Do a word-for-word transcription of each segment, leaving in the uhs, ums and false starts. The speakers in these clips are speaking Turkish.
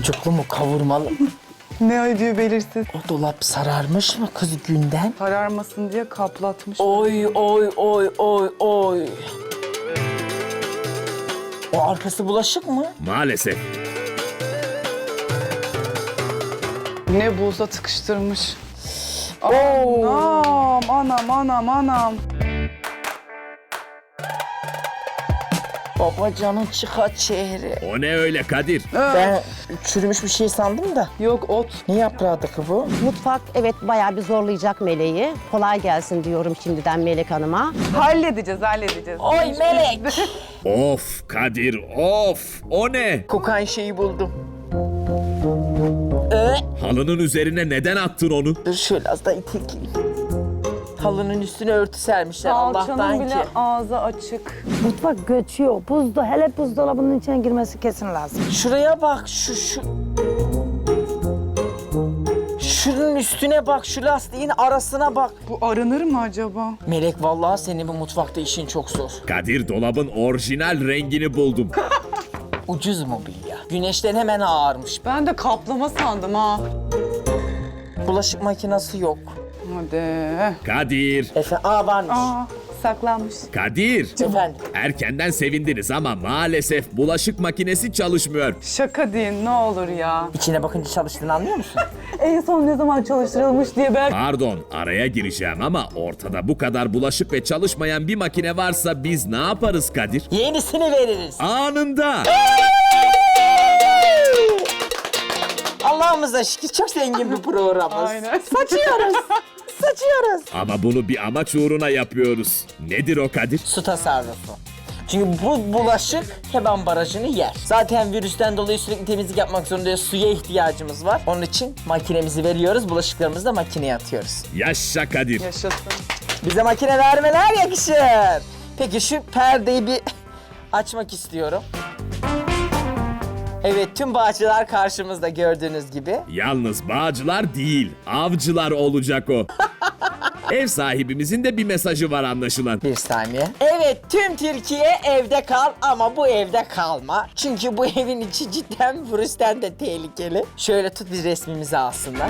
Sucuklu mu, kavurmalı mı? Ne ödüğü belirsiz. O dolap sararmış mı kız günden? Kararmasın diye kaplatmış. Oy oy oy oy oy. O arkası bulaşık mı? Maalesef. Ne buza tıkıştırmış. Anam, anam, anam, anam. Babacanın çıka çehre. O ne öyle Kadir? Ben çürümüş bir şey sandım da. Yok ot. Ne yaprağıydı ki bu? Mutfak evet bayağı bir zorlayacak Meleği. Kolay gelsin diyorum şimdiden Melek Hanım'a. Halledeceğiz, halledeceğiz. Oy melek. Of Kadir of. O ne? Kokan şeyi buldum. Ee, Halının üzerine neden attın onu? dur şöyle az da itekleyeyim. Halının üstüne örtü sermişler Salçanın Allah'tan bile ki. ağzı açık. Mutfak göçüyor. Buzda, hele buzdolabının içine girmesi kesin lazım. Şuraya bak şu şu. Şunun üstüne bak, şu lastiğin arasına bak. Bu aranır mı acaba? Melek vallahi senin bu mutfakta işin çok zor. Kadir dolabın orijinal rengini buldum. Ucuz mobilya. Güneşten hemen ağarmış. Ben de kaplama sandım ha. Bulaşık makinesi yok. Hadi. Kadir, Efendim, aa varmış. Aa, saklanmış. Kadir. Efendim. Erkenden sevindiniz ama maalesef bulaşık makinesi çalışmıyor. Şaka deyin ne olur ya. İçine bakınca çalıştığını anlıyor musun? En son ne zaman çalıştırılmış diye ben... Pardon, araya gireceğim ama ortada bu kadar bulaşık ve çalışmayan bir makine varsa biz ne yaparız Kadir? Yenisini veririz. Anında. Allah'ımıza şükür çok zengin bir programımız. Aynen. Saçıyoruz. Saçıyoruz. Ama bunu bir amaç uğruna yapıyoruz. Nedir o Kadir? Su tasarrufu. Çünkü bu bulaşık hemen barajını yer. Zaten virüsten dolayı sürekli temizlik yapmak zorundayız. Suya ihtiyacımız var. Onun için makinemizi veriyoruz. Bulaşıklarımızı da makineye atıyoruz. Yaşa Kadir. Yaşasın. Bize makine vermeler yakışır. Peki şu perdeyi bir açmak istiyorum. Evet, tüm bağcılar karşımızda gördüğünüz gibi. Yalnız bağcılar değil, avcılar olacak o. Ev sahibimizin de bir mesajı var anlaşılan. Bir saniye. Evet, tüm Türkiye evde kal ama bu evde kalma. Çünkü bu evin içi cidden virüsten de tehlikeli. Şöyle tut, bir resmimizi alsınlar.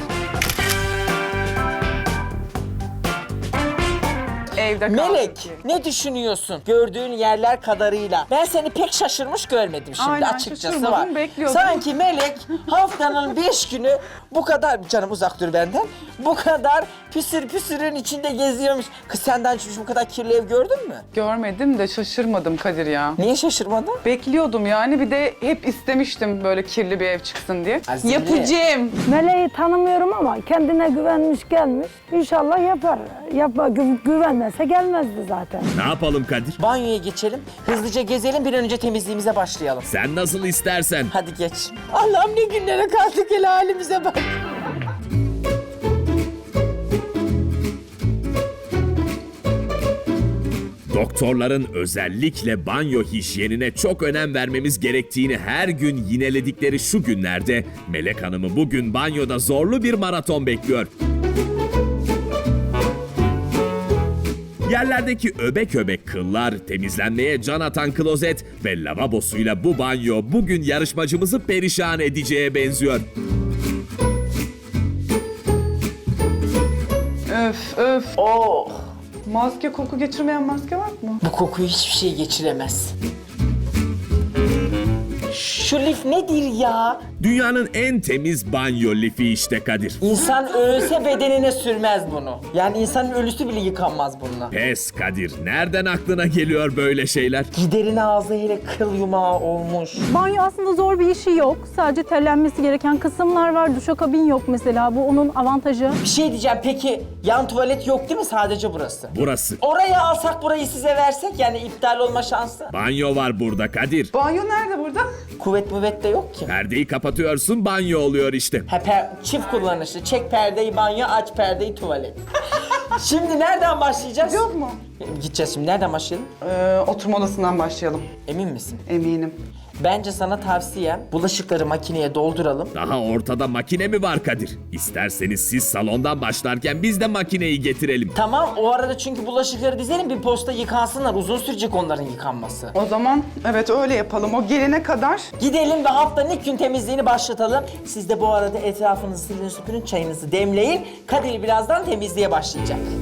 Evde kaldık Melek, ki. ne düşünüyorsun gördüğün yerler kadarıyla? Ben seni pek şaşırmış görmedim şimdi, Aynen, açıkçası şaşırmadım, var. bekliyordum. Sanki Melek haftanın beş günü bu kadar, canım uzak dur benden, bu kadar püsür püsürün içinde geziyormuş. Kız senden çıkmış bu kadar kirli ev gördün mü? Görmedim de şaşırmadım Kadir ya. Niye şaşırmadın? Bekliyordum yani, bir de hep istemiştim böyle kirli bir ev çıksın diye. Azile. Yapacağım. Meleği tanımıyorum ama kendine güvenmiş gelmiş. İnşallah yapar. Yapma, gü güvenmese gelmezdi zaten. Ne yapalım Kadir? Banyoya geçelim, hızlıca gezelim, bir an önce temizliğimize başlayalım. Sen nasıl istersen. Hadi geç. Allah'ım ne günlere kaldık, hele halimize bak. Doktorların özellikle banyo hijyenine çok önem vermemiz gerektiğini her gün yineledikleri şu günlerde Melek Hanım'ı bugün banyoda zorlu bir maraton bekliyor. Yerlerdeki öbek öbek kıllar, temizlenmeye can atan klozet ve lavabosuyla bu banyo bugün yarışmacımızı perişan edeceğe benziyor. Öf öf. Oh! Maske, koku geçirmeyen maske var mı? Bu kokuyu hiçbir şey geçiremez. Şu lif nedir ya? Dünyanın en temiz banyo lifi işte Kadir. İnsan ölse bedenine sürmez bunu. Yani insanın ölüsü bile yıkanmaz bununla. Pes Kadir, nereden aklına geliyor böyle şeyler? Giderin ağzı hele kıl yumağı olmuş. Banyo aslında zor bir işi yok. Sadece terlenmesi gereken kısımlar var. Duşakabin yok mesela. Bu onun avantajı. Bir şey diyeceğim, peki yan tuvalet yok değil mi, sadece burası? Burası. Oraya alsak, burayı size versek, yani iptal olma şansı. Banyo var burada Kadir. Banyo nerede burada? Kuvvet müvet de yok ki. Perdeyi kapatıyorsun, banyo oluyor işte. Ha, per- çift kullanışlı. Çek perdeyi banyo, aç perdeyi tuvalet. Şimdi nereden başlayacağız? Yok mu? Gideceğiz şimdi. Nereden başlayalım? Ee, oturma odasından başlayalım. Emin misin? Eminim. Bence sana tavsiyem bulaşıkları makineye dolduralım. Daha ortada makine mi var Kadir? İsterseniz siz salondan başlarken biz de makineyi getirelim. Tamam, o arada çünkü bulaşıkları dizelim, bir posta yıkansınlar. Uzun sürecek onların yıkanması. O zaman evet öyle yapalım. O gelene kadar Gidelim ve haftanın ilk gün temizliğini başlatalım. Siz de bu arada etrafınızı silin süpürün, çayınızı demleyin. Kadir birazdan temizliğe başlayacak.